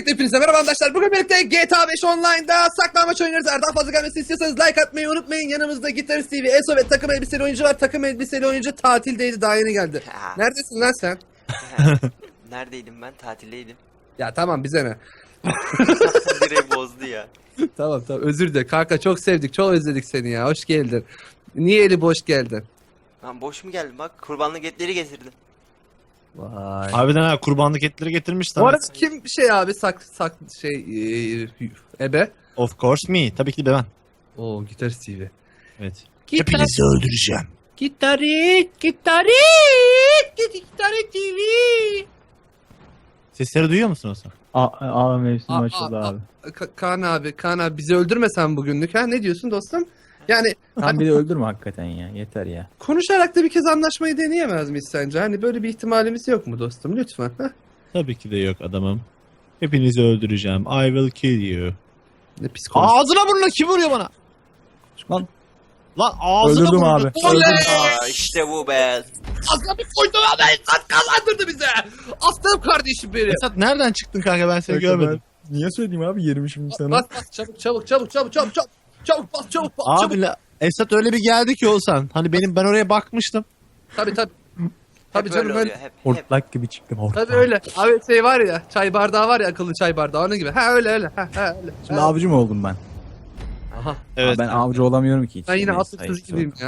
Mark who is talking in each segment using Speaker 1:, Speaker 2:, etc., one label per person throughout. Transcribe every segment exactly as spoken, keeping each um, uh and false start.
Speaker 1: Öncelikle hepinize merhaba arkadaşlar. Bugün birlikte G T A beş Online'da saklanmaç oynuyoruz. Eğer daha fazla gelmesini istiyorsanız like atmayı unutmayın. Yanımızda Gitarist T V, Eso ve takım elbiseli oyuncu var. Takım elbiseli oyuncu tatildeydi, daha yeni geldi.
Speaker 2: Ha.
Speaker 1: Neredesin lan sen?
Speaker 2: Neredeydim ben? Tatildeydim.
Speaker 1: Ya tamam, bize ne?
Speaker 2: Direkt bozdu ya.
Speaker 1: Tamam tamam, özür dilerim. Kanka çok sevdik, çok özledik seni ya. Hoş geldin. Niye eli boş geldin?
Speaker 2: Lan boş mu geldim bak, kurbanlık etleri getirdim.
Speaker 1: Vay.
Speaker 3: Harbiden ha, kurbanlık etleri getirmiş
Speaker 1: Bu
Speaker 3: sana.
Speaker 1: arada kim şey abi sak sak şey e, ebe?
Speaker 3: Of course me. Tabii ki de ben.
Speaker 1: Oo, Gitarist T V.
Speaker 3: Evet.
Speaker 1: Gitar
Speaker 3: Hepinizi öldüreceğim.
Speaker 1: Gitarist, Gitarist, Gitarist T V.
Speaker 3: Sesleri duyuyor musun Hasan?
Speaker 4: A, A mevsimi
Speaker 1: Aa,
Speaker 4: açıldı
Speaker 1: aa,
Speaker 4: abi.
Speaker 1: Ka- Kaan abi, Kaan abi bizi öldürmesen bugünlük ha? Ne diyorsun dostum? Yani
Speaker 4: Sen
Speaker 1: hani
Speaker 4: bir de öldürme hakikaten ya. Yeter ya.
Speaker 1: konuşarak da bir kez anlaşmayı deneyemez miyiz sence? Hani böyle bir ihtimalimiz yok mu dostum? Lütfen. Ha?
Speaker 3: Tabii ki de yok adamım. Hepinizi öldüreceğim. I will kill you.
Speaker 1: Ne pis konuş.
Speaker 3: Ağzına burnuna kim vuruyor bana?
Speaker 4: Lan
Speaker 3: Lan ağzına
Speaker 4: öldürdüm
Speaker 3: burnuna.
Speaker 4: abi.
Speaker 1: Oley!
Speaker 2: Aa, işte bu be.
Speaker 1: Aslan bir koydu abi. Esat kazandırdı bize. Aslanım kardeşim benim.
Speaker 3: Esat nereden çıktın kanka, ben seni görmedim.
Speaker 4: Niye söyleyeyim abi yerimi şimdi sana?
Speaker 1: Bas bas çabuk çabuk çabuk çabuk çabuk çabuk. Çabuk bas çabuk bas çabuk.
Speaker 3: Abi la, Esat öyle bir geldi ki olsan. Hani benim ben oraya bakmıştım.
Speaker 1: Tabii tabii. Tabii
Speaker 2: Hep
Speaker 1: canım
Speaker 2: öyle
Speaker 1: öyle.
Speaker 2: oluyor, hep, hep.
Speaker 4: Hortlak gibi çıktım hortlak.
Speaker 1: Tabii öyle. Abi şey var ya, çay bardağı var ya, akıllı çay bardağı, onun gibi. Ha öyle öyle. Ha, ha öyle.
Speaker 4: Şimdi
Speaker 1: Ha.
Speaker 4: avcı mı oldum ben?
Speaker 1: Aha.
Speaker 3: Evet.
Speaker 4: Ben avcı olamıyorum ki hiç.
Speaker 1: Ben yine
Speaker 4: Neyse,
Speaker 1: atıksız
Speaker 4: hayırlısı
Speaker 1: gibiyim
Speaker 4: olsun.
Speaker 1: ya.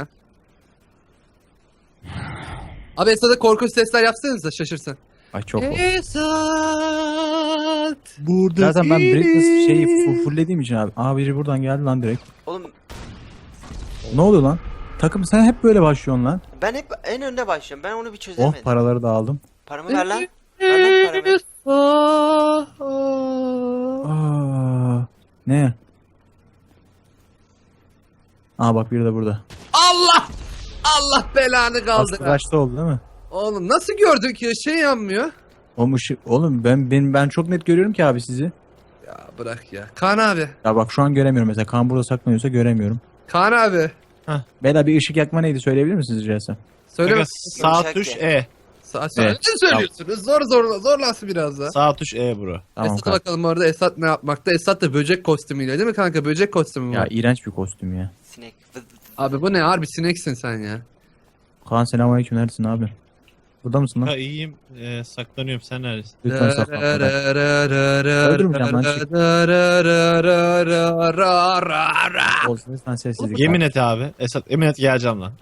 Speaker 1: Abi Esat'a korkunç sesler yapsanıza, şaşırsın.
Speaker 4: Ay çok oldu.
Speaker 1: Esat.
Speaker 3: Burada
Speaker 4: Zaten ben
Speaker 3: değiliz.
Speaker 4: Britney şeyi fu- fulllediğim için abi. Aa biri buradan geldi lan direkt.
Speaker 2: Oğlum
Speaker 4: Ne oluyor lan? Takım sen hep böyle başlıyorsun lan.
Speaker 2: ben hep en önde başlıyorum. Ben onu bir
Speaker 4: Oh
Speaker 2: çözemedim.
Speaker 4: paraları da aldım.
Speaker 2: Paramı ver lan. Ver lan paramı.
Speaker 4: Aa, ne? Aa bak biri de burada.
Speaker 1: Allah! Allah belanı
Speaker 4: Aslı
Speaker 1: kaldır.
Speaker 4: kaçta oldu değil mi?
Speaker 1: Oğlum nasıl gördün ki şey yanmıyor?
Speaker 4: Oğlum ışık, oğlum ben, ben ben çok net görüyorum ki abi sizi.
Speaker 1: Ya bırak ya. Kaan abi.
Speaker 4: Ya bak şu an göremiyorum mesela. Kan burada saklanıyorsa göremiyorum.
Speaker 1: Kaan abi.
Speaker 4: Bela bir ışık yakma neydi söyleyebilir misiniz rica etsem?
Speaker 1: Söyle.
Speaker 3: Kanka,
Speaker 1: bak-
Speaker 3: sağ
Speaker 2: Yumuşak
Speaker 3: tuş
Speaker 2: ya.
Speaker 3: E.
Speaker 1: Sa söyle.
Speaker 4: Evet.
Speaker 1: Ne söylüyorsunuz? Zor zor zorlansın biraz da.
Speaker 3: Sağ tuş E bro.
Speaker 4: Tamam
Speaker 1: Esat'a
Speaker 4: kanka.
Speaker 1: bakalım orada Esat ne yapmakta? Esat da böcek kostümüyle değil mi kanka? Böcek kostümü
Speaker 4: Ya
Speaker 1: var.
Speaker 4: iğrenç bir kostüm ya.
Speaker 2: Sinek. Vız vız vız.
Speaker 1: Abi bu ne? Harbi sineksin sen ya.
Speaker 4: Kaan selamünaleyküm neredesin abi? Burada mısın
Speaker 3: Ha
Speaker 4: lan?
Speaker 3: iyiyim. Ee, saklanıyorum. Sen neredesin?
Speaker 4: Lütfen saklan. Öldürmeyeceğim lan, çık. Olsun lütfen sessizlik.
Speaker 3: Yemin et abi. Esat yemin et geleceğim lan.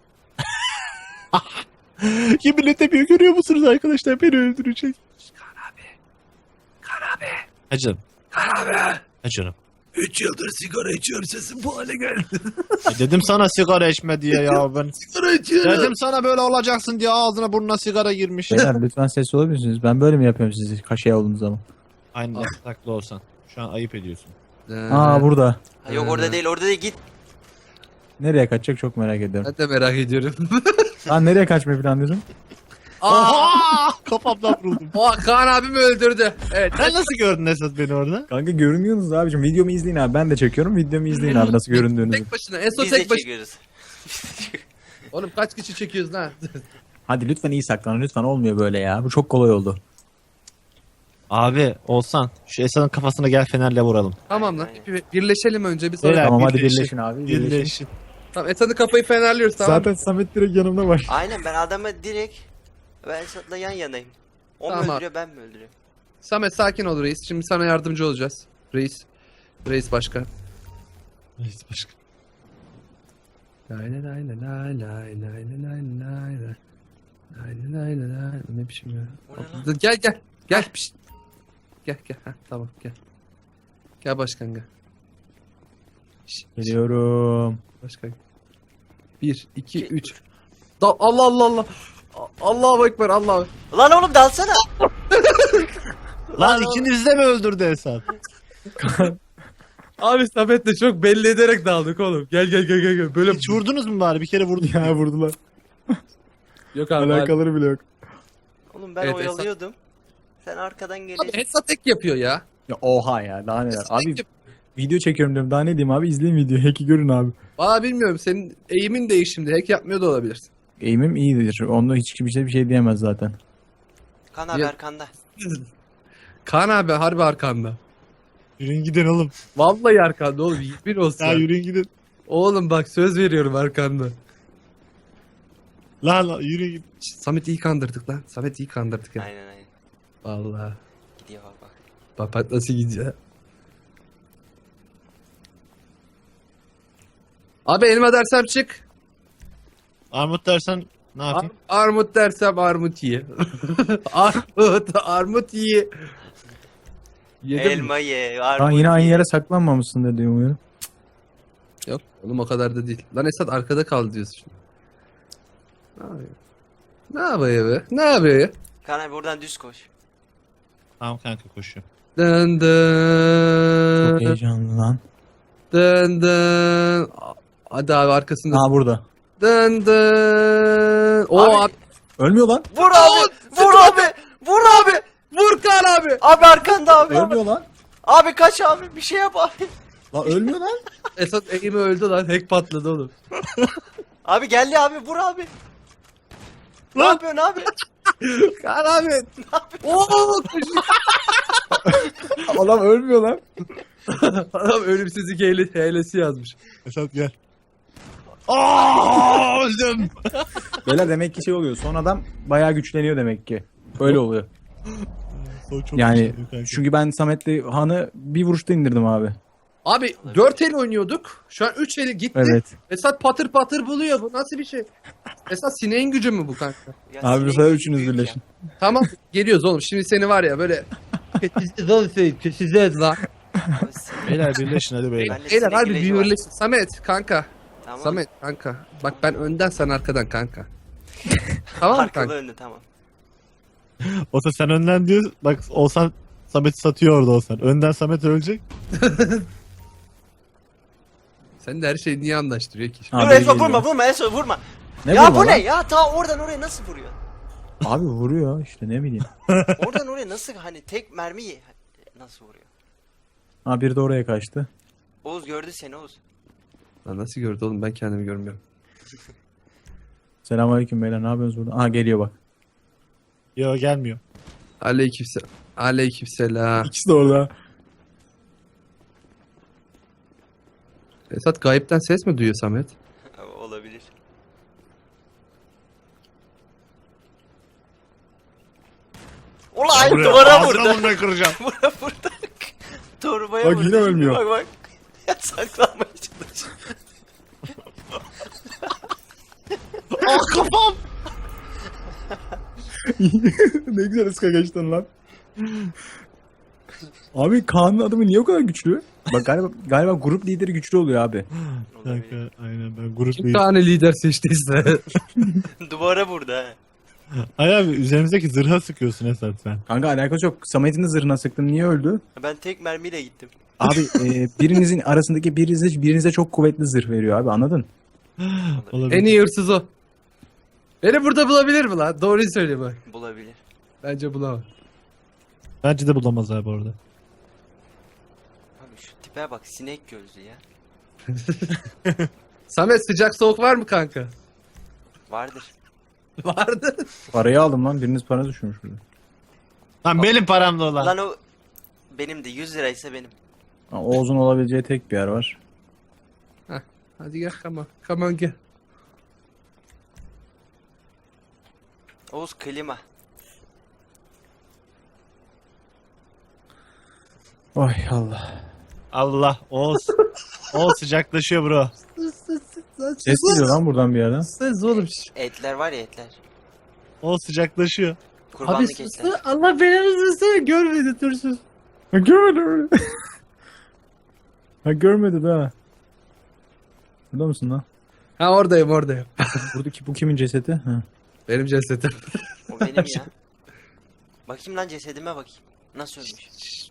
Speaker 3: Yemin edemiyor, görüyor musunuz arkadaşlar, beni öldürecek.
Speaker 1: Kaan abi. Kaan abi.
Speaker 3: Ha canım.
Speaker 1: Kaan abi.
Speaker 3: Ha canım.
Speaker 1: Üç yıldır sigara içiyorum, sesim bu hale geldi.
Speaker 3: E dedim sana sigara içme diye ya ben.
Speaker 1: Sigara içiyorum.
Speaker 3: Dedim sana böyle olacaksın diye ağzına burnuna sigara girmiş.
Speaker 4: Beyler lütfen sessiz olabilir misiniz? Ben böyle mi yapıyorum sizi kaşe olduğunuz zaman?
Speaker 3: Aynen saklı olsan. Şu an ayıp ediyorsun.
Speaker 4: Aa burada.
Speaker 2: Ha, yok orada değil, orada değil, git.
Speaker 4: Nereye kaçacak çok merak ediyorum.
Speaker 1: Ben de merak ediyorum.
Speaker 4: Lan nereye kaçmayı planlıyorsun?
Speaker 1: Aa!
Speaker 3: Oha! Kafamdan vuruldum.
Speaker 1: Oha, Kaan abimi öldürdü. Evet.
Speaker 3: Sen nasıl gördün Esat beni orada?
Speaker 4: Kanka görünüyorsunuz abicim. Videomu izleyin abi. Ben de çekiyorum. Videomu izleyin abi nasıl göründüğünüzü.
Speaker 1: Tek başına. Eso
Speaker 2: Biz de
Speaker 1: tek başına.
Speaker 2: çekiyoruz.
Speaker 1: Oğlum kaç kişi çekiyoruz lan?
Speaker 4: Hadi lütfen iyi saklanın. Lütfen olmuyor böyle ya. Bu çok kolay oldu.
Speaker 3: Abi olsan şu Esat'ın kafasına gel fenerle vuralım.
Speaker 1: Tamam lan. Bir- Birleşelim önce bir sonra.
Speaker 3: Beyler,
Speaker 4: Tamam hadi
Speaker 3: birleşin.
Speaker 4: birleşin abi. Birleşin.
Speaker 3: Birleşin.
Speaker 1: Tamam, Esat'ın kafayı fenerliyoruz, tamam.
Speaker 4: Zaten Samet direkt yanımda var.
Speaker 2: Aynen, ben adamı direkt ben Esat'la yan yanayım. O mu
Speaker 1: Tamam.
Speaker 2: öldürüyor, ben mi öldürüyorum?
Speaker 1: Samet sakin ol reis. Şimdi sana yardımcı olacağız. Reis. Reis başkan.
Speaker 3: Neyse başka.
Speaker 1: Lay lay lay lay lay lay lay lay lay lay. Lay lay lay lay. Ne biçim ya?
Speaker 2: O ne lan?
Speaker 1: Dur, Gel gel. Gel. Pişt. Gel gel. Heh, tamam gel. Gel başkan gel. Şş,
Speaker 4: Geliyorum.
Speaker 1: Başkan. Bir, iki, üç. Da Allah Allah Allah. Allahu Ekber, Allah.
Speaker 2: Lan oğlum dalsana.
Speaker 3: Lan ikiniz de mi öldürdü Esat?
Speaker 1: Abi Samet'le çok belli ederek daldık oğlum. Gel gel gel gel gel. Böyle
Speaker 3: Hiç vurdunuz mu bari? Bir kere vurdum.
Speaker 4: Ya vurdular.
Speaker 1: yok abi. Abi,
Speaker 4: Alakaları bile yok.
Speaker 2: Oğlum ben
Speaker 1: Evet,
Speaker 2: oyalıyordum. Sen arkadan
Speaker 1: abi
Speaker 2: geliyorsun.
Speaker 1: Hesat tek yapıyor ya.
Speaker 4: Ya oha ya daha neler.
Speaker 1: Hesat
Speaker 4: Abi
Speaker 1: tek yap-
Speaker 4: video çekiyorum diyorum. Daha ne diyeyim abi izleyin videoyu. Hack'i görün abi.
Speaker 1: Valla bilmiyorum, senin eğimin değiş şimdi. Hack yapmıyor da olabilirsin.
Speaker 4: Eğimim iyidir. Onda hiç kimse bir şey diyemez zaten.
Speaker 2: Kan abi
Speaker 1: Ya-
Speaker 2: arkanda.
Speaker 1: Kaan abi harbi arkanda.
Speaker 3: Yürüyün gidin oğlum.
Speaker 1: Vallahi arkanda oğlum. Bir olsun.
Speaker 3: Ya yürüyün gidin.
Speaker 1: Oğlum bak söz veriyorum arkanda.
Speaker 3: Lan lan yürüyün gidin.
Speaker 1: Şşt, Samet iyi kandırdık lan. Samet iyi kandırdık ya.
Speaker 2: Aynen aynen.
Speaker 1: Vallahi.
Speaker 2: Gidiyor bak bak.
Speaker 1: Bak bak nasıl gidiyor. Abi elma dersem çık.
Speaker 3: Armut dersen ne
Speaker 1: Ar-
Speaker 3: yapayım?
Speaker 1: armut dersem armut ye. armut, armut ye. Yedim mi?
Speaker 2: Elma ye.
Speaker 4: Aa,
Speaker 2: Armut
Speaker 4: yine aynı
Speaker 2: ye.
Speaker 4: yere saklanmamışsın da diyorum umuyorum.
Speaker 1: Yok oğlum o kadar da değil. Lan Esat arkada kaldı diyorsun şimdi. Ne yapıyor? Ne yapıyor be? Ne yapıyor?
Speaker 2: Kaan abi buradan düz koş.
Speaker 3: Tamam kanka koşuyorum.
Speaker 1: Dın
Speaker 4: Çok
Speaker 1: dın.
Speaker 4: heyecanlı lan.
Speaker 1: Dın dın. Hadi abi arkasında.
Speaker 4: Aa burada.
Speaker 1: Dın dın. O
Speaker 2: Abi-
Speaker 1: abi.
Speaker 4: Ölmüyor lan.
Speaker 2: Vur abi. Vur abi. Vur abi.
Speaker 1: Vur Kaan abi.
Speaker 2: Abi arkanda abi. Abi,
Speaker 4: Ölmüyor lan.
Speaker 2: abi kaç abi. Bir şey yap abi.
Speaker 4: Lan ölmüyor lan.
Speaker 1: Esat eğimi öldü lan. Hack patladı oğlum.
Speaker 2: Abi geldi abi. Vur abi. Ne yapıyorsun abi?
Speaker 1: Kaan abi. Oo koşuyor.
Speaker 4: Adam ölmüyor lan.
Speaker 1: Adam ölümsüzlük hile, hilesi yazmış.
Speaker 3: Esat gel. Aa öldüm.
Speaker 4: Beyler demek ki şey oluyor. Son adam bayağı güçleniyor demek ki. Öyle oluyor.
Speaker 3: Çok
Speaker 4: Yani
Speaker 3: güçlü kanka.
Speaker 4: çünkü ben Samet'le Han'ı bir vuruşta indirdim abi.
Speaker 1: Abi dört el oynuyorduk. Şu an üç eli gitti.
Speaker 4: Evet.
Speaker 1: Esat patır patır buluyor. Bu nasıl bir şey? Esat sineğin gücü mü bu kanka?
Speaker 2: Ya
Speaker 4: Abi
Speaker 2: sinek
Speaker 4: bu sefer
Speaker 2: gibi
Speaker 4: üçünüz
Speaker 2: büyük ya.
Speaker 4: birleşin.
Speaker 1: Tamam geliyoruz oğlum. Şimdi seni var ya böyle kötüsüz oğlum seni kötüsüz lan.
Speaker 2: Abi sinek-
Speaker 3: Beyler birleşin hadi beyler.
Speaker 2: Bende
Speaker 1: Beyler
Speaker 2: sinek
Speaker 1: harbi
Speaker 2: ilacı
Speaker 1: bir
Speaker 2: var.
Speaker 1: birleş. Samet kanka.
Speaker 2: Tamam.
Speaker 1: Samet kanka. Bak ben önden sen arkadan kanka. Tamam mı
Speaker 2: Arkalı
Speaker 1: kanka?
Speaker 2: önlü tamam.
Speaker 3: Olsa sen önden diyor. Bak olsan Samet satıyor orada olsan. Önden Samet ölecek.
Speaker 1: Sen de her şeyi niye anlaştırıyor ki?
Speaker 4: Abi
Speaker 2: Dur Esma
Speaker 4: geliyor.
Speaker 2: vurma vurma Esma vurma.
Speaker 4: Ne
Speaker 2: ya
Speaker 4: vurma
Speaker 2: bu ne
Speaker 4: lan?
Speaker 2: ya? Ta oradan oraya nasıl vuruyor?
Speaker 4: Abi vuruyor işte ne bileyim.
Speaker 2: Oradan oraya nasıl hani tek mermiyi nasıl vuruyor?
Speaker 4: Ha biri de oraya kaçtı.
Speaker 2: Oğuz gördü seni Oğuz.
Speaker 1: Lan nasıl gördü oğlum ben kendimi görmüyorum.
Speaker 4: Selamünaleyküm beyler ne yapıyorsunuz burada? Aha geliyor bak.
Speaker 3: Yo gelmiyor.
Speaker 1: Aleykümselam. Aleykümselam.
Speaker 4: İkisi de orada.
Speaker 1: Esat gayipten ses mi duyuyor Samet?
Speaker 2: Olabilir. Ulan duvara vurdu.
Speaker 3: Ağzına kıracağım.
Speaker 2: Bura vurdu. Torbaya
Speaker 4: Bak
Speaker 2: vurdu.
Speaker 4: yine
Speaker 2: Şimdi
Speaker 4: ölmüyor.
Speaker 2: Bak bak. Ya saklanmaya çalışıyor.
Speaker 3: Ah kafam.
Speaker 4: Ne güzel ıska geçtin lan. Abi Kaan'ın adamı niye o kadar güçlü? Bak galiba galiba grup lideri güçlü oluyor abi.
Speaker 2: Olabilir.
Speaker 3: Kanka aynen ben grup
Speaker 1: Kim
Speaker 3: değil.
Speaker 1: tane lider seçtiyse.
Speaker 2: Duvara vurdu ha.
Speaker 3: Ay abi üzerimizdeki zırha sıkıyorsun Esat sen.
Speaker 4: Kanka alakası yok. Samet'in de zırhına sıktım. Niye öldü?
Speaker 2: Ben tek mermiyle gittim.
Speaker 4: Abi e, birinizin arasındaki birinize, birinize çok kuvvetli zırh veriyor abi anladın?
Speaker 3: Olabilir.
Speaker 1: En iyi hırsız o. Beni burada bulabilir mi lan? Doğruyu söyle bak.
Speaker 2: Bulabilir.
Speaker 1: Bence bulamaz.
Speaker 3: Bence de bulamaz abi orada.
Speaker 2: Abi şu tipe bak sinek gözlü ya.
Speaker 1: Samet sıcak soğuk var mı kanka?
Speaker 2: Vardır.
Speaker 1: Vardı.
Speaker 4: Parayı aldım lan. Biriniz para düşürmüş burada.
Speaker 3: Lan benim param da olan.
Speaker 2: Lan o benim de yüz liraysa benim.
Speaker 4: Ha, Oğuz'un olabileceği tek bir yer var.
Speaker 1: Hadi gel come on. Come on gel.
Speaker 2: Oğuz klima.
Speaker 4: Oy Allah.
Speaker 3: Allah Oğuz. Oğuz sıcaklaşıyor bro.
Speaker 4: Ses geliyor lan buradan bir yerden.
Speaker 1: Ses oğlum.
Speaker 2: Etler var ya etler.
Speaker 3: Oğuz sıcaklaşıyor.
Speaker 1: Abi
Speaker 2: Kurbanlık
Speaker 1: sus
Speaker 2: etler.
Speaker 1: lan. Allah belanı versin. Görmedi dur sus.
Speaker 4: Ha, görmedim. Ha görmedi daha. Burada mısın lan?
Speaker 1: Ha oradayım oradayım.
Speaker 4: Buradaki bu kimin cesedi? Ha.
Speaker 1: Benim cesetim.
Speaker 2: O benim ya. Bakayım lan cesedime bakayım. Nasıl ölmüş?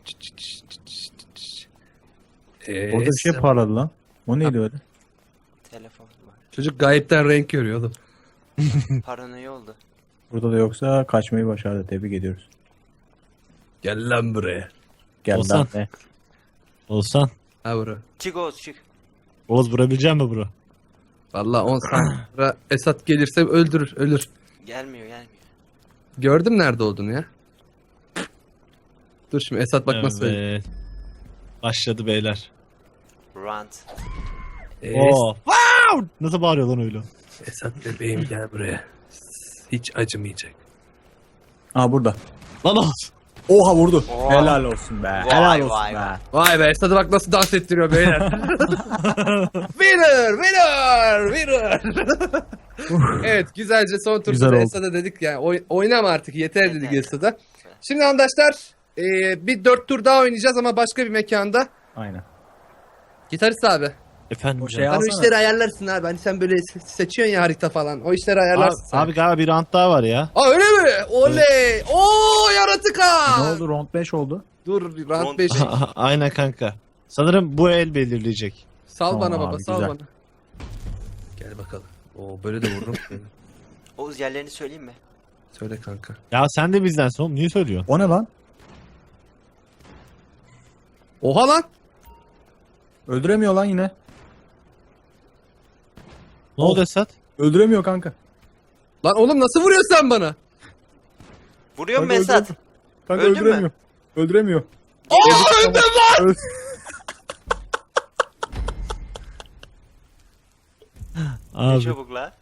Speaker 1: Ee,
Speaker 4: Orada bir şey parladı lan. O neydi öyle?
Speaker 2: Telefon var.
Speaker 1: Çocuk gayipten renk görüyor oğlum.
Speaker 2: Paranoya oldu.
Speaker 4: Burada da yoksa kaçmayı başardı. Tebrik ediyoruz.
Speaker 1: Gel lan buraya.
Speaker 4: Gel
Speaker 3: Olsan.
Speaker 4: lan be.
Speaker 3: Olsan.
Speaker 1: Ha bura.
Speaker 2: Çık Oğuz çık.
Speaker 3: Oğuz vurabilecek mi bro?
Speaker 1: Valla on saniye sonra Esat gelirse öldürür ölür.
Speaker 2: Gelmiyor gelmiyor.
Speaker 1: Gördüm nerede olduğunu ya. Dur şimdi Esat bak nasıl söylüyor.
Speaker 3: Evet. Başladı beyler.
Speaker 2: Rant.
Speaker 1: Es-
Speaker 3: Oo. Wow! Nasıl bağırıyor lan öyle?
Speaker 1: Esat bebeğim gel buraya. Hiç acımayacak.
Speaker 4: Aa burada.
Speaker 3: Lan olsun.
Speaker 4: Oha vurdu.
Speaker 2: Oha.
Speaker 4: Helal olsun be.
Speaker 2: Vay,
Speaker 4: Helal olsun
Speaker 2: vay,
Speaker 4: be.
Speaker 2: vay.
Speaker 1: Vay be Esat'a bak nasıl dans ettiriyor beyler. Winner! Winner! Winner! Evet güzelce son turda
Speaker 4: Güzel
Speaker 1: da
Speaker 4: oldu.
Speaker 1: Esat'a dedik yani oy- oynama artık yeter dedik
Speaker 2: Yeter.
Speaker 1: Esat'a. Şimdi arkadaşlar e, bir dört tur daha oynayacağız ama başka bir mekanda.
Speaker 4: Aynen.
Speaker 1: Gitarist abi.
Speaker 3: Efendim
Speaker 4: O
Speaker 3: canım.
Speaker 4: şey
Speaker 1: Sen o
Speaker 4: alsana.
Speaker 1: işleri ayarlarsın abi. Hani sen böyle se- seçiyorsun ya harita falan. O işleri ayarlarsın
Speaker 3: Abi,
Speaker 1: sen.
Speaker 3: abi galiba bir rant daha var ya.
Speaker 1: Aa öyle mi? Oley! Oo yaratık ha!
Speaker 4: Ne oldu? Round beş oldu.
Speaker 1: Dur
Speaker 2: Round
Speaker 1: round beş.
Speaker 2: beş.
Speaker 3: Aynen kanka. Sanırım bu el belirleyecek.
Speaker 1: Sal
Speaker 4: Tamam
Speaker 1: bana baba
Speaker 4: abi,
Speaker 1: sal
Speaker 4: güzel.
Speaker 1: bana. Gel bakalım. Oo böyle de vururum.
Speaker 2: Oğuz yerlerini söyleyeyim mi?
Speaker 1: Söyle kanka.
Speaker 3: Ya sen de bizdensin oğlum. Niye söylüyorsun?
Speaker 4: O ne lan?
Speaker 1: Oha lan!
Speaker 4: Öldüremiyor lan yine.
Speaker 3: Ne oldu Esat?
Speaker 4: Öldüremiyor kanka.
Speaker 1: Lan oğlum nasıl vuruyorsun sen bana?
Speaker 2: Vuruyor mu
Speaker 4: Kanka
Speaker 2: Esat?
Speaker 4: öldürdüm. Kanka
Speaker 2: Öldün mü?
Speaker 4: öldüremiyor. Öldüremiyor.
Speaker 1: Aa öldüm lan!
Speaker 4: Öl-
Speaker 2: Ne
Speaker 3: Abi
Speaker 2: çabuk la.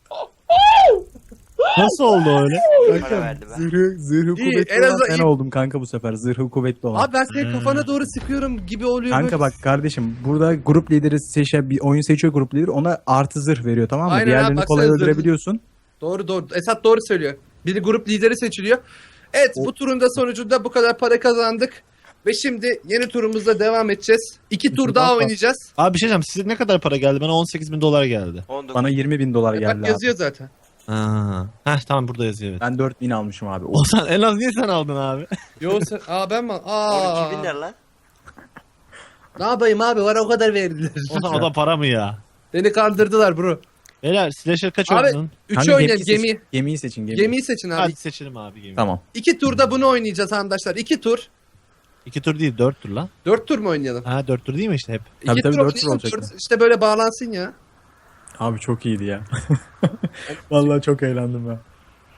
Speaker 3: nasıl oldu öyle?
Speaker 2: Para verdi be.
Speaker 4: Zırhı, zırhı
Speaker 1: İyi,
Speaker 4: kuvvetli
Speaker 1: en
Speaker 4: olan
Speaker 1: azından
Speaker 4: ben
Speaker 1: iyi.
Speaker 4: oldum kanka bu sefer. Zırhı kuvvetli olan.
Speaker 1: Abi ben senin kafana doğru sıkıyorum gibi oluyor.
Speaker 4: Kanka
Speaker 1: böyle.
Speaker 4: bak kardeşim burada grup lideri seçen bir oyun seçiyor grup lideri ona artı zırh veriyor tamam mı?
Speaker 1: Aynen abi,
Speaker 4: Diğerlerini
Speaker 1: bak
Speaker 4: kolay
Speaker 1: sen zırhlı-
Speaker 4: öldürebiliyorsun.
Speaker 1: Doğru doğru. Esat doğru söylüyor. Bir grup lideri seçiliyor. Evet
Speaker 4: O-
Speaker 1: bu turun da sonucunda bu kadar para kazandık. Ve şimdi yeni turumuzda devam edeceğiz. İki tur
Speaker 4: tur
Speaker 1: daha
Speaker 4: daha
Speaker 1: oynayacağız.
Speaker 3: Abi bir şey diyeceğim. Size ne kadar para geldi? Bana on sekiz bin dolar geldi.
Speaker 2: on dokuz.
Speaker 4: Bana yirmi bin dolar
Speaker 1: E,
Speaker 4: geldi
Speaker 1: bak
Speaker 4: abi.
Speaker 1: yazıyor zaten.
Speaker 3: Ha. Heh tamam burada yazıyor evet.
Speaker 4: Ben dört bin almışım abi.
Speaker 3: O sen en az niye sen aldın abi?
Speaker 1: Yo sen... Aa ben mi?
Speaker 2: on
Speaker 1: Aa.
Speaker 2: iki bin lira lan.
Speaker 1: Ne yapayım abi? Bana o kadar verdiler.
Speaker 3: O zaman o da para mı ya?
Speaker 1: Beni kandırdılar bro.
Speaker 3: Beyler slasher kaç
Speaker 1: Abi,
Speaker 3: oynadın?
Speaker 1: Üçü
Speaker 4: Kanka
Speaker 1: oynayalım.
Speaker 4: gemiyi
Speaker 1: Gemi.
Speaker 4: seçin. Gemiyi seçin. Gemi.
Speaker 1: Gemiyi seçin abi.
Speaker 3: Hadi seçelim abi gemi.
Speaker 4: Tamam.
Speaker 1: İki turda bunu oynayacağız arkadaşlar. İki tur.
Speaker 3: İki tur değil dört tur lan.
Speaker 1: Dört tur mu oynayalım?
Speaker 3: Ha dört tur değil mi işte hep?
Speaker 4: Tabii,
Speaker 1: İki
Speaker 4: tabii,
Speaker 1: tur
Speaker 4: dört tur
Speaker 1: oynayalım,
Speaker 4: olacak
Speaker 1: dört-
Speaker 4: ya.
Speaker 1: İşte böyle bağlansın ya.
Speaker 4: Abi çok iyiydi ya. Vallahi çok eğlendim ben.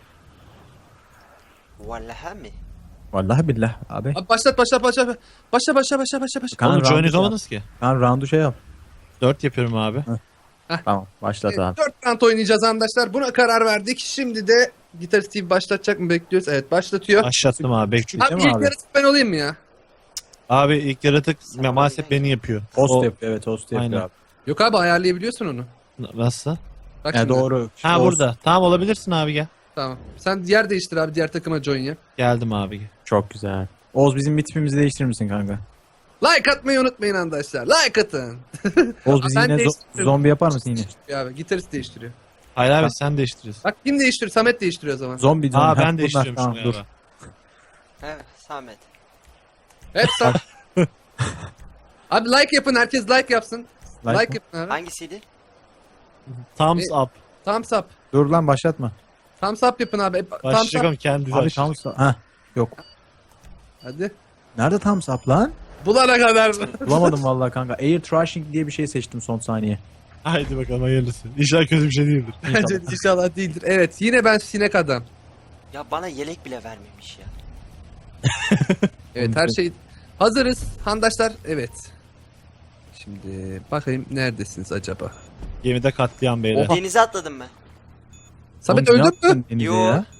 Speaker 2: Vallahi mi?
Speaker 4: Vallahi billah abi.
Speaker 1: Abi başlat başlat başlat. Başla başla başla başla başla.
Speaker 4: Kaan
Speaker 3: Oğlum
Speaker 4: roundu
Speaker 3: join
Speaker 4: şey yap.
Speaker 3: olamadınız ki.
Speaker 4: Kaan roundu şey yap.
Speaker 3: Dört yapıyorum abi.
Speaker 4: Tamam başlat
Speaker 1: Evet,
Speaker 4: abi.
Speaker 1: dört round oynayacağız arkadaşlar. Buna karar verdik. Şimdi de Gitarist Steve başlatacak mı bekliyoruz? Evet başlatıyor.
Speaker 3: Başlattım abi bekliyorum.
Speaker 1: Abi
Speaker 4: Değil mi
Speaker 1: ilk
Speaker 4: abi?
Speaker 1: yarısı ben olayım mı ya?
Speaker 3: Abi ilk yaratık
Speaker 2: Sen
Speaker 3: maalesef
Speaker 2: bana
Speaker 3: beni yapıyor.
Speaker 4: Host
Speaker 3: O-
Speaker 4: yapıyor evet host yapıyor
Speaker 3: Aynen.
Speaker 4: abi.
Speaker 1: Yok abi ayarlayabiliyorsun onu.
Speaker 3: Nasıl?
Speaker 1: Bak
Speaker 4: Ya
Speaker 1: şimdi.
Speaker 4: doğru.
Speaker 3: Ha
Speaker 4: Host-
Speaker 3: burada. Tamam olabilirsin abi gel.
Speaker 1: Tamam. Sen yer değiştir abi diğer takıma join ya.
Speaker 3: Geldim abi gel.
Speaker 4: Çok güzel. Oğuz bizim bir tipimizi değiştirir misin kanka?
Speaker 1: Like atmayı unutmayın arkadaşlar. Like atın.
Speaker 4: Oğuz bizi
Speaker 1: Ben
Speaker 4: yine zo-
Speaker 1: değiştiririm.
Speaker 4: zombi yapar mısın yine?
Speaker 1: Ya abi gitarist değiştiriyor.
Speaker 3: Hayır abi
Speaker 4: Tamam.
Speaker 3: sen değiştiriyorsun.
Speaker 1: Bak kim değiştiriyor? Samet değiştiriyor o zaman.
Speaker 4: Zombi zombi.
Speaker 3: Aa
Speaker 4: Ha,
Speaker 3: ben
Speaker 4: bunlar,
Speaker 3: değiştiriyorum
Speaker 4: tamam,
Speaker 3: şunu
Speaker 4: dur.
Speaker 3: galiba.
Speaker 2: Evet Samet.
Speaker 1: Hep sen. Abi like yapın. Herkes like yapsın. Like,
Speaker 4: Like mı?
Speaker 1: yapın abi.
Speaker 2: Hangisiydi?
Speaker 3: Thumbs
Speaker 1: E-
Speaker 3: up.
Speaker 1: Thumbs up.
Speaker 4: Dur lan başlatma.
Speaker 1: Thumbs up yapın abi. Hep- Thumbs
Speaker 3: Başlayacak
Speaker 1: up.
Speaker 3: ama kendisi
Speaker 4: Abi
Speaker 3: açacak.
Speaker 4: thumbs up. Ha yok.
Speaker 1: Hadi.
Speaker 4: Nerede thumbs up lan?
Speaker 1: Bulana kadar.
Speaker 4: Bulamadım vallahi kanka. Air trashing diye bir şey seçtim son saniye.
Speaker 3: Haydi bakalım hayırlısı. İnşallah kötü bir şey değildir.
Speaker 1: Bence inşallah değildir. Evet yine ben sinek adam.
Speaker 2: Ya bana yelek bile vermemiş ya.
Speaker 1: Evet her şey hazırız. Handaşlar evet. Şimdi bakayım neredesiniz acaba?
Speaker 3: Gemide katliam beyler.
Speaker 1: Oha.
Speaker 2: Denize atladım ben.
Speaker 1: Samet
Speaker 4: Oğlum, ne
Speaker 1: öldün mü?
Speaker 4: yaptın denize
Speaker 2: Yo.
Speaker 4: ya?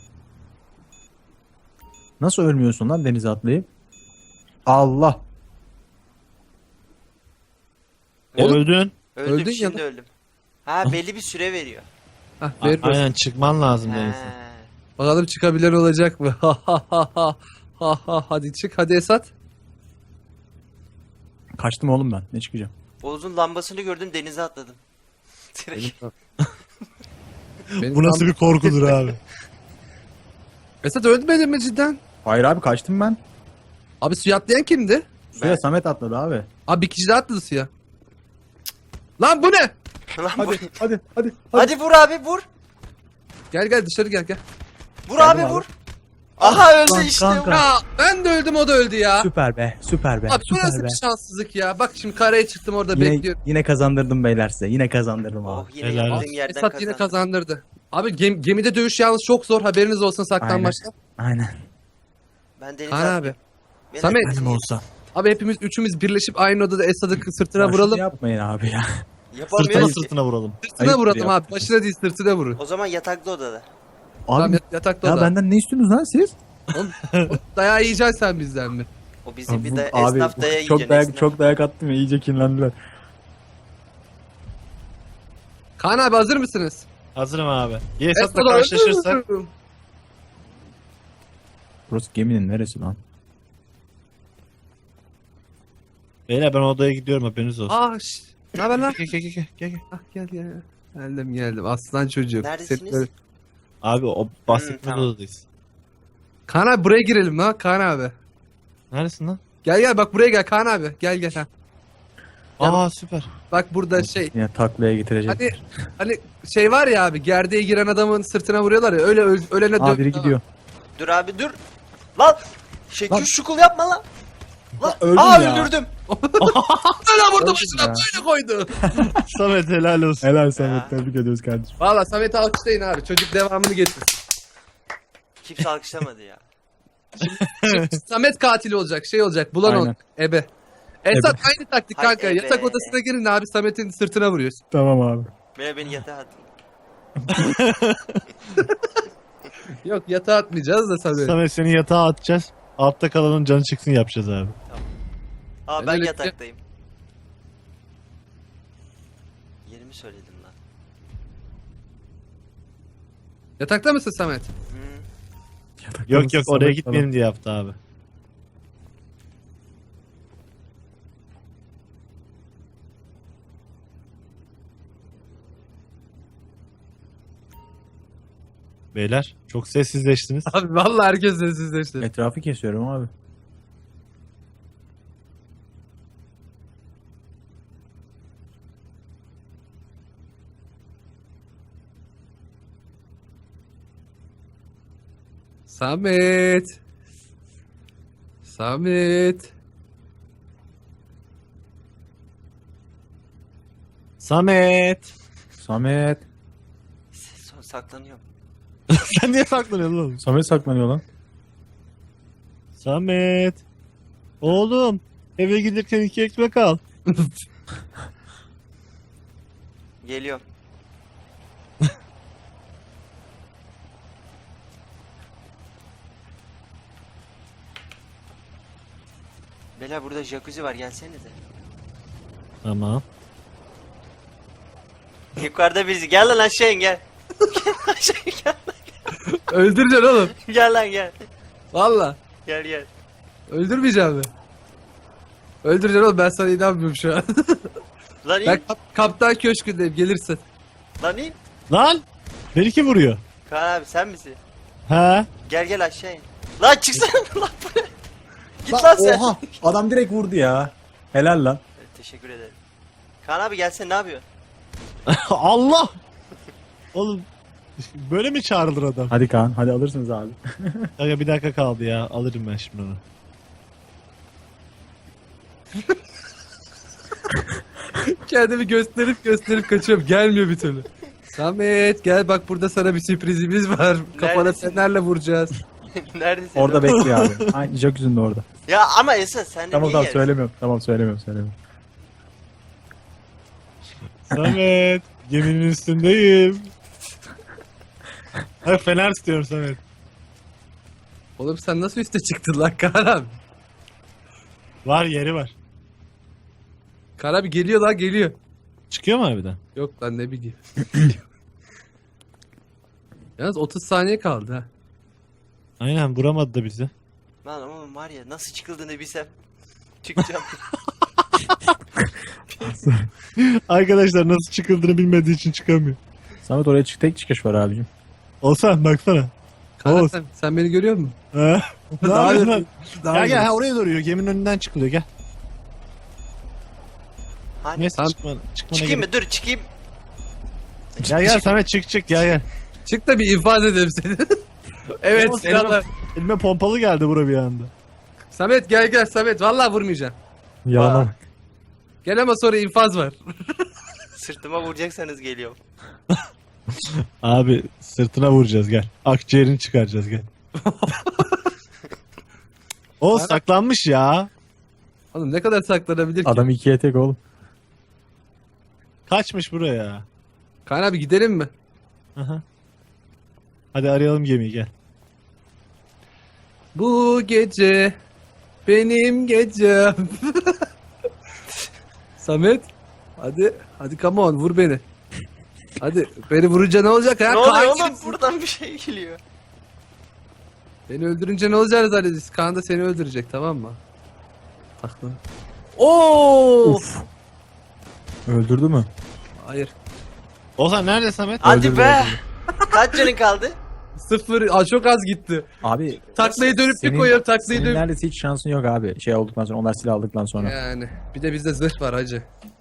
Speaker 4: Nasıl ölmüyorsun lan denize atlayıp? Allah.
Speaker 3: E,
Speaker 1: Oğlum,
Speaker 3: öldün.
Speaker 2: Öldüm
Speaker 1: Öldün ya
Speaker 2: şimdi öldüm. Ha belli bir süre veriyor.
Speaker 1: Hah,
Speaker 3: A-
Speaker 1: ver
Speaker 3: Aynen çıkman lazım
Speaker 2: Ha.
Speaker 3: denize.
Speaker 1: bakalım çıkabilen olacak mı? Ha ha ha ha. Ha ha hadi çık hadi Esat.
Speaker 4: Kaçtım oğlum ben. Ne çıkacağım?
Speaker 2: Oğuz'un lambasını gördüm denize atladım. Direkt.
Speaker 1: Benim
Speaker 3: Bu nasıl
Speaker 1: tam-
Speaker 3: bir korkudur abi.
Speaker 1: Esat ölmedin mi cidden?
Speaker 4: Hayır abi kaçtım ben.
Speaker 1: Abi suya atlayan kimdi?
Speaker 4: Suya
Speaker 2: Ben-
Speaker 4: Samet atladı abi.
Speaker 1: Abi bir kişi daha atladı suya. Lan bu ne?
Speaker 2: Lan bu-
Speaker 4: Hadi hadi hadi.
Speaker 2: Hadi vur abi vur.
Speaker 1: Gel gel dışarı gel gel.
Speaker 2: Vur
Speaker 4: Geldim
Speaker 2: abi
Speaker 4: abi.
Speaker 2: vur. Aha
Speaker 4: Lan
Speaker 2: öldü işte.
Speaker 4: kanka.
Speaker 1: Ya ben de öldüm o da öldü ya.
Speaker 4: Süper be. Süper be.
Speaker 1: Abi bu
Speaker 4: süper
Speaker 1: nasıl
Speaker 4: be.
Speaker 1: bir şanssızlık ya. Bak şimdi karaya çıktım orada
Speaker 4: Yine,
Speaker 1: bekliyorum.
Speaker 4: yine kazandırdım beyler size. Yine kazandırdım
Speaker 2: Oh
Speaker 4: abi.
Speaker 2: yine
Speaker 3: Helal
Speaker 2: yaptığın yerden
Speaker 1: Esat
Speaker 2: kazandı.
Speaker 1: yine kazandırdı. Abi gem- gemide dövüş yalnız çok zor haberiniz olsun saklanmaçta.
Speaker 4: Aynen.
Speaker 2: Ben denize
Speaker 1: Kaan abi.
Speaker 2: atlayayım. Beyler,
Speaker 1: Samet.
Speaker 2: bizim-
Speaker 3: Benim olsa.
Speaker 1: Abi hepimiz üçümüz birleşip aynı odada Esad'ı sırtına
Speaker 4: Ya şunu
Speaker 1: vuralım.
Speaker 4: yapmayın abi ya.
Speaker 3: Sırtına
Speaker 2: Yapamıyoruz ki.
Speaker 3: sırtına vuralım.
Speaker 1: Sırtına
Speaker 4: Ayıp
Speaker 1: vuralım
Speaker 4: ya.
Speaker 1: abi. Başına değil sırtına vurun.
Speaker 2: O zaman yataklı odada.
Speaker 1: Tamam
Speaker 4: Abi
Speaker 1: yat- yatakta
Speaker 4: ya
Speaker 1: oda.
Speaker 4: benden ne istiyorsunuz lan siz?
Speaker 1: Dayağı yiyeceksin sen bizden mi?
Speaker 2: O bizim bir
Speaker 4: Bu-
Speaker 2: de
Speaker 4: abi
Speaker 2: esnaf daya
Speaker 4: çok
Speaker 2: yiyeceksin.
Speaker 4: dayak
Speaker 2: esnaf.
Speaker 4: çok dayak attım ya iyice kinlendiler.
Speaker 1: Kaan abi hazır mısınız?
Speaker 3: Hazırım abi. Yesat'la
Speaker 1: Esad
Speaker 3: karşılaşırsak.
Speaker 4: Burası geminin neresi lan?
Speaker 3: Beyler ben odaya gidiyorum haberiniz olsun.
Speaker 1: Ah şş. Ne haber lan?
Speaker 3: Gel gel gel gel. gel.
Speaker 1: Ah gel gel. Geldim geldim. Aslan çocuğum.
Speaker 2: Neredesiniz?
Speaker 1: Seni-
Speaker 3: Abi o bahsettiğimiz
Speaker 2: Hmm, tamam.
Speaker 3: odadayız.
Speaker 1: Kaan abi buraya girelim ha Kaan abi.
Speaker 3: Neredesin lan?
Speaker 1: Gel gel bak buraya gel Kaan abi. Gel gel ha.
Speaker 3: Aa süper.
Speaker 1: Bak burada şey.
Speaker 4: Yine taklaya getirecek.
Speaker 1: Hani hani şey var ya abi gerdeğe giren adamın sırtına vuruyorlar ya öyle öl- ölene
Speaker 4: Aa
Speaker 1: dön.
Speaker 4: biri gidiyor.
Speaker 2: Dur abi dur. Lan. Şekil
Speaker 4: Lan.
Speaker 2: şukul yapma lan. Lan.
Speaker 4: öldüm
Speaker 2: Aa
Speaker 4: ya.
Speaker 2: öldürdüm.
Speaker 1: Böyle vurdu
Speaker 4: Öldüm
Speaker 1: başına
Speaker 4: ya.
Speaker 1: böyle koydu.
Speaker 3: Samet helal olsun.
Speaker 4: Helal
Speaker 2: Ya.
Speaker 4: Samet tebrik ediyoruz kardeşim.
Speaker 1: Valla Samet'i alkışlayın abi. Çocuk devamını getirsin.
Speaker 2: Kimse alkışlamadı ya.
Speaker 1: Samet katili olacak şey olacak bulan
Speaker 4: Aynen.
Speaker 1: olacak. Ebe. Esat aynı taktik
Speaker 2: Hay
Speaker 1: kanka.
Speaker 2: ebe.
Speaker 1: Yatak odasına girin abi Samet'in sırtına vuruyorsun.
Speaker 4: Tamam abi.
Speaker 2: Beni beni yatağa at.
Speaker 1: Yok yatağa atmayacağız da Samet.
Speaker 3: Samet seni yatağa atacağız. Altta kalanın canı çıksın yapacağız abi.
Speaker 2: Aa
Speaker 1: Ben
Speaker 2: ben
Speaker 1: öyle-
Speaker 2: yataktayım. Yerimi söyledim lan.
Speaker 1: Yatakta mısın Samet?
Speaker 2: Hmm.
Speaker 4: Yatakta
Speaker 3: Yok
Speaker 4: mısın
Speaker 3: yok oraya
Speaker 4: Samet
Speaker 3: gitmeyelim diye yaptı abi. Beyler çok sessizleştiniz.
Speaker 1: Abi vallahi herkes sessizleşti.
Speaker 4: falan? Etrafı kesiyorum abi.
Speaker 1: Samet. Samet.
Speaker 3: Samet.
Speaker 4: Samet.
Speaker 2: Ses- Saklanıyorum.
Speaker 3: Sen niye saklanıyorsun oğlum?
Speaker 4: Samet saklanıyor lan.
Speaker 3: Samet. Oğlum eve gelirken iki ekmek al.
Speaker 2: Geliyorum. Beyler burada jacuzzi var gelsenize.
Speaker 3: Tamam.
Speaker 2: Yukarıda birisi gel lan aşağı in gel. Gel aşağı in, gel.
Speaker 1: Öldüreceksin oğlum.
Speaker 2: Gel lan gel.
Speaker 1: Valla.
Speaker 2: Gel gel.
Speaker 1: Öldürmeyeceğim mi? Öldüreceksin oğlum ben sana inanmıyorum şu an.
Speaker 2: Lan in.
Speaker 1: ben kap- kaptan köşkündeyim gelirsin.
Speaker 2: Lan in.
Speaker 3: Lan beni kim vuruyor?
Speaker 2: Kaan abi sen misin?
Speaker 3: He?
Speaker 2: Gel gel aşağı in. Lan çıksana lan buraya. Git lan,
Speaker 4: Lan,
Speaker 2: sen.
Speaker 4: oha adam direkt vurdu ya. Helal lan.
Speaker 2: Evet, teşekkür ederim. Kaan abi gelsene ne yapıyor?
Speaker 3: Allah! Oğlum böyle mi çağrılır adam?
Speaker 4: Hadi Kaan hadi alırsınız abi.
Speaker 3: Kanka bir dakika kaldı ya. Alırım ben şimdi onu.
Speaker 1: Kendimi gösterip gösterip kaçıyorum. Gelmiyor bir türlü. Samet gel bak burada sana bir sürprizimiz var. Kafana
Speaker 2: Neredesin?
Speaker 1: fenerle vuracağız.
Speaker 2: Neredesin?
Speaker 4: Orada
Speaker 2: lan?
Speaker 4: bekliyor abi. Aynı jacuzzi'nin de orada.
Speaker 2: Ya ama Esat sen de
Speaker 4: Tamam
Speaker 2: niye
Speaker 4: tamam
Speaker 2: gel?
Speaker 4: söylemiyorum. Tamam söylemiyorum söylemiyorum.
Speaker 3: Samet geminin üstündeyim. Hayır fener istiyorum Samet.
Speaker 1: Oğlum sen nasıl üste çıktın lan Kaan abi?
Speaker 3: Var yeri var.
Speaker 1: Kaan abi geliyor lan geliyor.
Speaker 3: Çıkıyor mu harbiden?
Speaker 1: Yok lan ne bileyim. Yalnız otuz saniye kaldı ha.
Speaker 3: Aynen vuramadı da bizi.
Speaker 2: Lan oğlum var ya nasıl çıkıldığını bilsem. Çıkacağım.
Speaker 3: Arkadaşlar nasıl çıkıldığını bilmediği için çıkamıyor.
Speaker 4: Samet oraya çık tek çıkış var abicim.
Speaker 3: Olsan baksana.
Speaker 1: Kaan
Speaker 3: Oğuz.
Speaker 1: sen, sen beni görüyor musun?
Speaker 3: Ha? Ne
Speaker 1: Daha
Speaker 3: yapıyorsun
Speaker 1: iyi-
Speaker 3: lan?
Speaker 1: daha
Speaker 3: Gel
Speaker 1: iyi.
Speaker 3: gel ha, oraya duruyor. Geminin önünden çıkılıyor gel.
Speaker 2: Hani
Speaker 3: Neyse
Speaker 1: Tamam.
Speaker 3: çıkma, çıkmana
Speaker 2: çıkayım
Speaker 3: gerek-
Speaker 2: mı? Dur çıkayım.
Speaker 3: Gel gel Samet çık çık gel gel.
Speaker 1: Çık da bir infaz edelim seni. evet
Speaker 3: Oğuz,
Speaker 1: selamlar.
Speaker 3: Elime pompalı geldi bura bir anda.
Speaker 1: Samet gel gel Samet vallahi vurmayacağım.
Speaker 4: Yalana bak.
Speaker 1: Gel ama sonra infaz var.
Speaker 2: Sırtıma vuracaksanız geliyorum.
Speaker 3: Abi sırtına vuracağız gel. Akciğerini çıkaracağız gel. O
Speaker 1: Bana-
Speaker 3: saklanmış ya.
Speaker 1: Oğlum ne kadar saklanabilir ki?
Speaker 4: Adam ikiye tek oğlum.
Speaker 3: Kaçmış buraya.
Speaker 1: Kaan abi gidelim mi?
Speaker 3: Aha. Hadi arayalım gemiyi gel.
Speaker 1: Bu gece benim gecem. Samet hadi hadi come on vur beni. Hadi beni vurunca ne olacak ya?
Speaker 2: Ne oluyor
Speaker 1: Kaan
Speaker 2: oğlum?
Speaker 1: kimsin?
Speaker 2: Buradan bir şey geliyor.
Speaker 1: Beni öldürünce ne olacağını zannediyorsun. Kaan da seni öldürecek tamam mı? Bak lan. Oo!
Speaker 4: Uf. Öldürdü mü?
Speaker 1: Hayır.
Speaker 3: Oğuzhan nerede Samet?
Speaker 2: Hadi
Speaker 4: Öldürdü,
Speaker 2: be.
Speaker 4: öldürdü.
Speaker 2: Kaç canın kaldı?
Speaker 1: Sıfır. Aa, çok az gitti.
Speaker 4: Abi
Speaker 1: Taklayı dönüp bir
Speaker 4: senin-
Speaker 1: koyuyorum taklayı
Speaker 4: senin
Speaker 1: dönüp.
Speaker 4: neredeyse hiç şansın yok abi. Şey olduktan sonra onlar silah aldıktan sonra.
Speaker 1: Yani bir de bizde zırh var hacı.